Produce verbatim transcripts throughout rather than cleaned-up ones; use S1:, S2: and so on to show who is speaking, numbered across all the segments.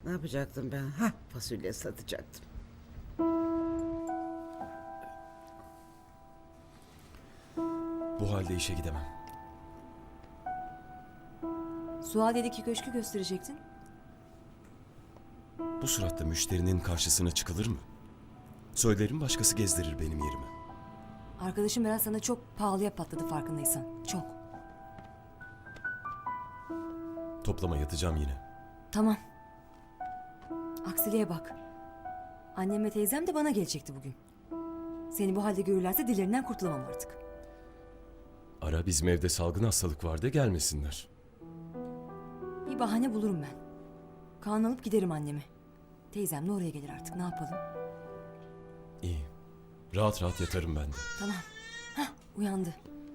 S1: Ne yapacaktım ben? Ha, fasulye satacaktım.
S2: Bu halde işe gidemem.
S3: Suadiye'deki köşkü gösterecektin.
S2: Bu suratta müşterinin karşısına çıkılır mı? Söylerim başkası gezdirir benim yerime.
S3: Arkadaşım biraz sana çok pahalıya patladı farkındaysan. Çok.
S2: Toplama yatacağım yine.
S3: Tamam. Aksiliğe bak. Annem ve teyzem de bana gelecekti bugün. Seni bu halde görürlerse dillerinden kurtulamam artık.
S2: Ara, bizim evde salgın hastalık vardı, gelmesinler.
S3: Bir bahane bulurum ben. Kaan alıp giderim annemi. Teyzem de oraya gelir artık, ne yapalım?
S2: İyi. Rahat rahat yatarım ben de.
S3: Tamam. Hah, uyandı.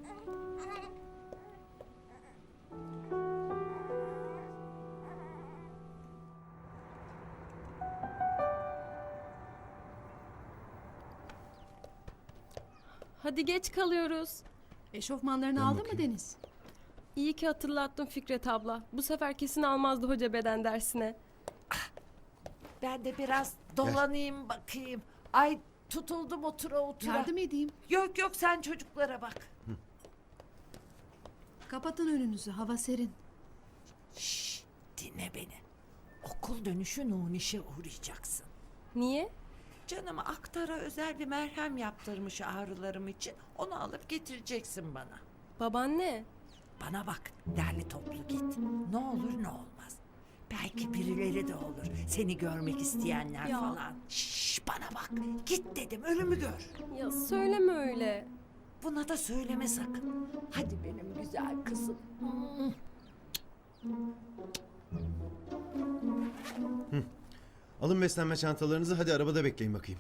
S4: Hadi geç kalıyoruz.
S5: Eşofmanlarını
S2: Ben
S5: aldın
S2: bakayım.
S5: mı Deniz?
S4: İyi ki hatırlattın Fikret abla. Bu sefer kesin almazdı hoca beden dersine.
S6: Ben de biraz dolanayım bakayım. Ay tutuldum otura otura.
S5: Yardım edeyim.
S6: Yok yok sen çocuklara bak.
S5: Kapatın önünüzü, hava serin.
S6: Şşş dinle beni. Okul dönüşü Nuniş'e uğrayacaksın.
S4: Niye?
S6: Canım aktara özel bir merhem yaptırmış ağrılarım için. Onu alıp getireceksin bana.
S4: Babaanne.
S6: Bana bak derli toplu git. Ne olur ne olmaz. Belki birileri de olur. Seni görmek isteyenler
S4: Ya.
S6: falan. Şşş bana bak. Git dedim ölümü gör.
S4: Ya söyleme öyle.
S6: Buna da söyleme sakın. Hadi benim güzel kızım. Hmm.
S7: Alın beslenme çantalarınızı, hadi arabada bekleyin bakayım.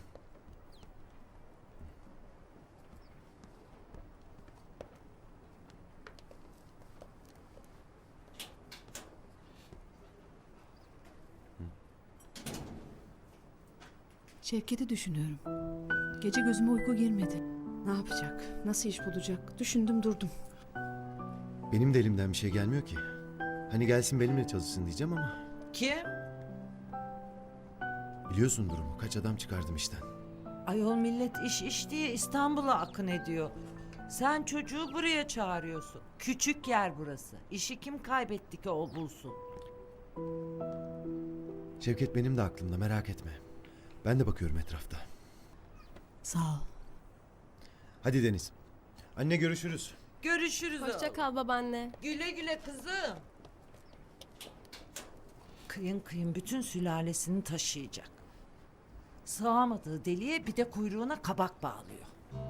S5: Şevket'i düşünüyorum. Gece gözüme uyku girmedi. Ne yapacak? Nasıl iş bulacak? Düşündüm durdum.
S7: Benim de elimden bir şey gelmiyor ki. Hani gelsin benimle çalışsın diyeceğim ama
S6: Kim?
S7: biliyorsun durumu. Kaç adam çıkardım işten.
S6: Ayol millet iş iş diye İstanbul'a akın ediyor. Sen çocuğu buraya çağırıyorsun. Küçük yer burası. İşi kim kaybetti ki o bulsun?
S7: Şevket benim de aklımda, merak etme. Ben de bakıyorum etrafta.
S5: Sağ ol.
S7: Hadi Deniz. Anne görüşürüz.
S6: Görüşürüz
S4: Hoşça
S6: oğlum.
S4: kal babaanne.
S6: Güle güle kızım. Kıyın kıyın bütün sülalesini taşıyacak. Sığamadığı deliğe bir de kuyruğuna kabak bağlıyor.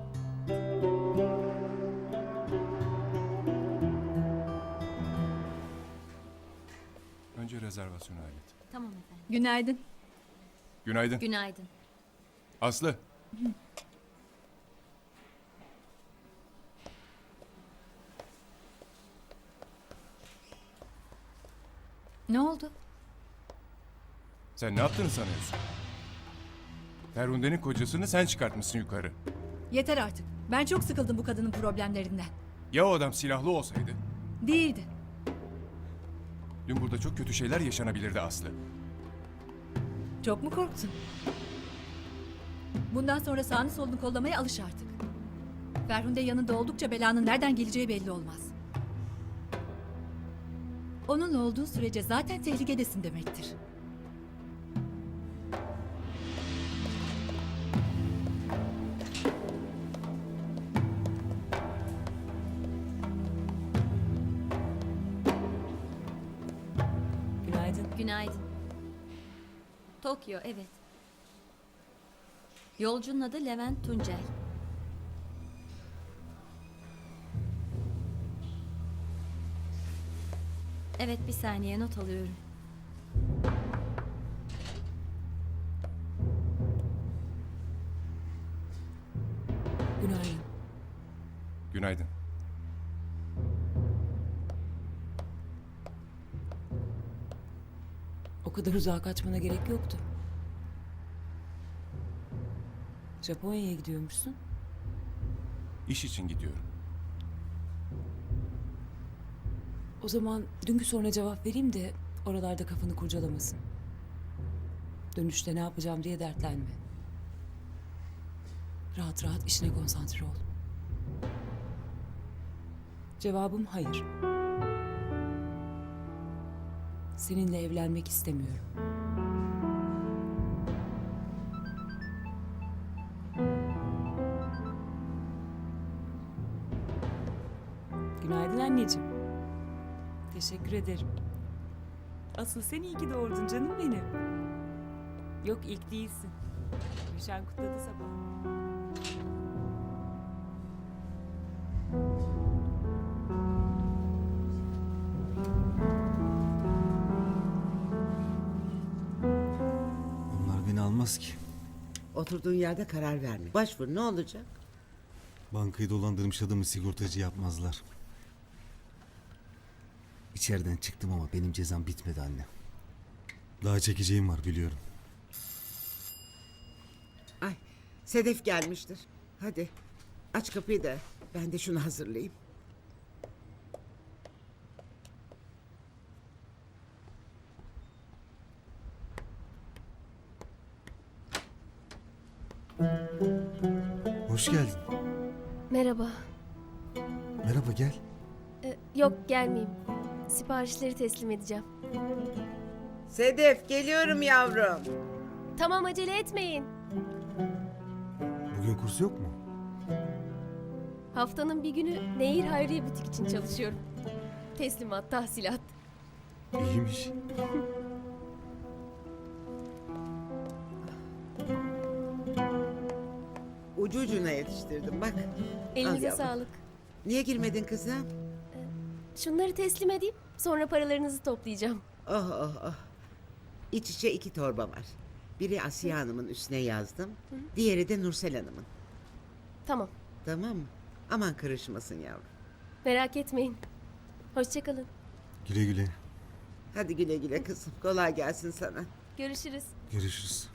S8: Önce rezervasyonu hallet.
S9: Tamam efendim.
S5: Günaydın.
S8: Günaydın.
S9: Günaydın.
S8: Aslı.
S9: Ne oldu?
S8: Sen ne yaptığını sanıyorsun? Ferhunde'nin kocasını sen çıkartmışsın yukarı.
S10: Yeter artık. Ben çok sıkıldım bu kadının problemlerinden.
S8: Ya o adam silahlı olsaydı?
S10: Değildi.
S8: Dün burada çok kötü şeyler yaşanabilirdi Aslı.
S10: Çok mu korktun? Bundan sonra sağını solunu kollamaya alış artık. Ferhunde yanında oldukça belanın nereden geleceği belli olmaz. Onunla olduğun sürece zaten tehlikedesin demektir.
S6: Günaydın.
S9: Günaydın. Tokyo, evet. Yolcunun adı Levent Tuncel. Evet, bir saniye not alıyorum.
S6: Günaydın.
S8: Günaydın.
S6: O kadar uzağa kaçmana gerek yoktu. Japonya'ya gidiyormuşsun.
S8: İş için gidiyorum.
S6: O zaman dünkü soruna cevap vereyim de oralarda kafanı kurcalamasın.
S11: Dönüşte ne yapacağım diye dertlenme. Rahat rahat işine konsantre ol. Cevabım hayır. Seninle evlenmek istemiyorum. Günaydın anneciğim. Teşekkür ederim. Asıl sen iyi ki doğurdun canım benim. Yok ilk değilsin. Gülşen kutladı sabah.
S7: Onlar beni almaz ki.
S1: Oturduğun yerde karar verme. Başvur, ne olacak?
S7: Bankayı dolandırmış adamı sigortacı yapmazlar. İçeriden çıktım ama benim cezam bitmedi anne. Daha çekeceğim var biliyorum.
S1: Ay, Sedef gelmiştir. Hadi aç kapıyı da ben de şunu hazırlayayım.
S7: Hoş geldin.
S12: Merhaba.
S7: Merhaba gel.
S12: Ee, yok gelmeyeyim. Siparişleri teslim edeceğim.
S1: Sedef geliyorum yavrum.
S12: Tamam acele etmeyin.
S7: Bugün kurs yok mu?
S12: Haftanın bir günü Nehir Hayriye Butik için çalışıyorum. Teslimat, tahsilat.
S7: İyiymiş.
S1: Ucu ucuna yetiştirdim bak.
S12: Elinize
S1: yavrum.
S12: sağlık.
S1: Niye girmedin kızım?
S12: Şunları teslim edeyim. Sonra paralarınızı toplayacağım.
S1: Oh oh oh. İç içe iki torba var. Biri Asiye Hanım'ın üstüne yazdım. Diğeri de Nursel Hanım'ın.
S12: Tamam.
S1: Tamam mı? Aman karışmasın yavrum.
S12: Merak etmeyin. Hoşçakalın.
S7: Güle güle.
S1: Hadi güle güle kızım. Kolay gelsin sana.
S12: Görüşürüz.
S7: Görüşürüz.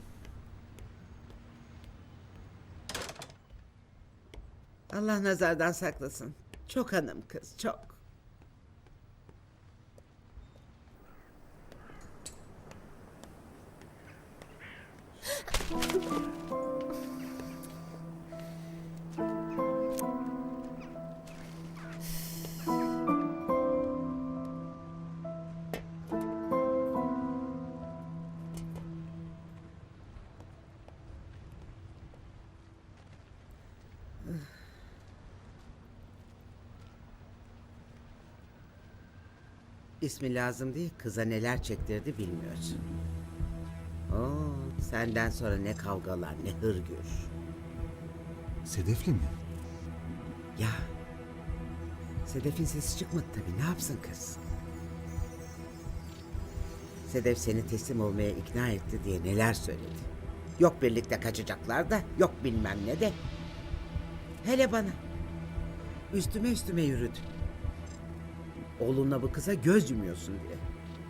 S1: Allah nazardan saklasın. Çok hanım kız, çok. İsmi lazım değil, kıza neler çektirdi bilmiyorsun. Oo, senden sonra ne kavgalar, ne hırgür.
S7: Sedefli mi?
S1: Ya, Sedef'in sesi çıkmadı tabii, ne yapsın kız? Sedef seni teslim olmaya ikna etti diye neler söyledi. Yok birlikte kaçacaklar da, yok bilmem ne de. Hele bana. Üstüme üstüme yürüdü. Oğlunla bu kıza göz yumuyorsun diye.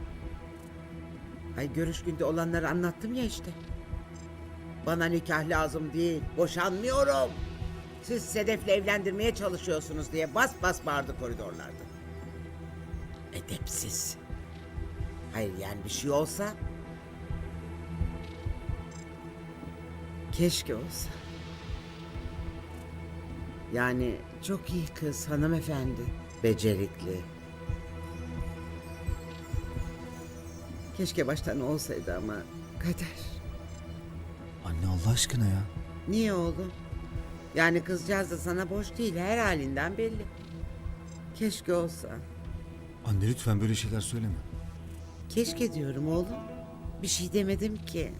S1: Ay görüş günde olanları anlattım ya işte. Bana nikah lazım değil, boşanmıyorum. Siz Sedef'le evlendirmeye çalışıyorsunuz diye bas bas bağırdı koridorlarda. Edepsiz. Hayır yani bir şey olsa... Keşke olsa. Yani çok iyi kız hanımefendi. Becerikli. Keşke baştan olsaydı ama kader.
S7: Anne Allah aşkına ya.
S1: Niye oğlum? Yani kızcağız da sana boş değil, her halinden belli. Keşke olsa.
S7: Anne lütfen böyle şeyler söyleme.
S1: Keşke diyorum oğlum. Bir şey demedim ki.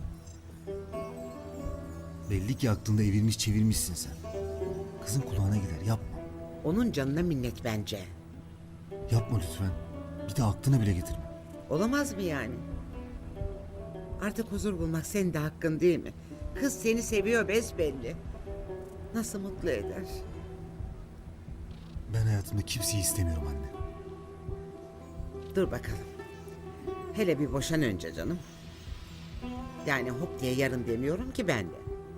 S7: Belli ki aklında evirmiş çevirmişsin sen. Kızın kulağına gider yapma.
S1: Onun canına minnet bence.
S7: Yapma lütfen. Bir de aklına bile getirme.
S1: Olamaz mı yani? Artık huzur bulmak senin de hakkın değil mi? Kız seni seviyor besbelli. Nasıl mutlu eder?
S7: Ben hayatımda kimseyi istemiyorum anne.
S1: Dur bakalım. Hele bir boşan önce canım. Yani hop diye yarın demiyorum ki ben de.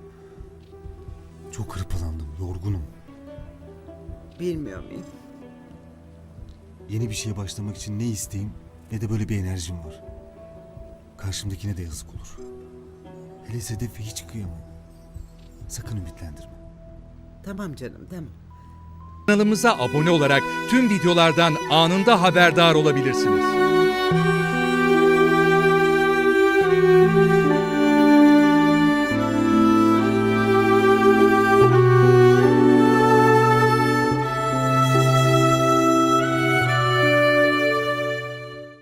S7: Çok hırpalandım, yorgunum.
S1: Bilmiyor muyum?
S7: Yeni bir şeye başlamak için ne isteğim ne de böyle bir enerjim var. Karşımdakine de yazık olur.
S13: Hele Sedef'e hiç kıyamam. Sakın ümitlendirme.
S1: Tamam canım tamam.
S14: Kanalımıza abone olarak tüm videolardan anında haberdar olabilirsiniz.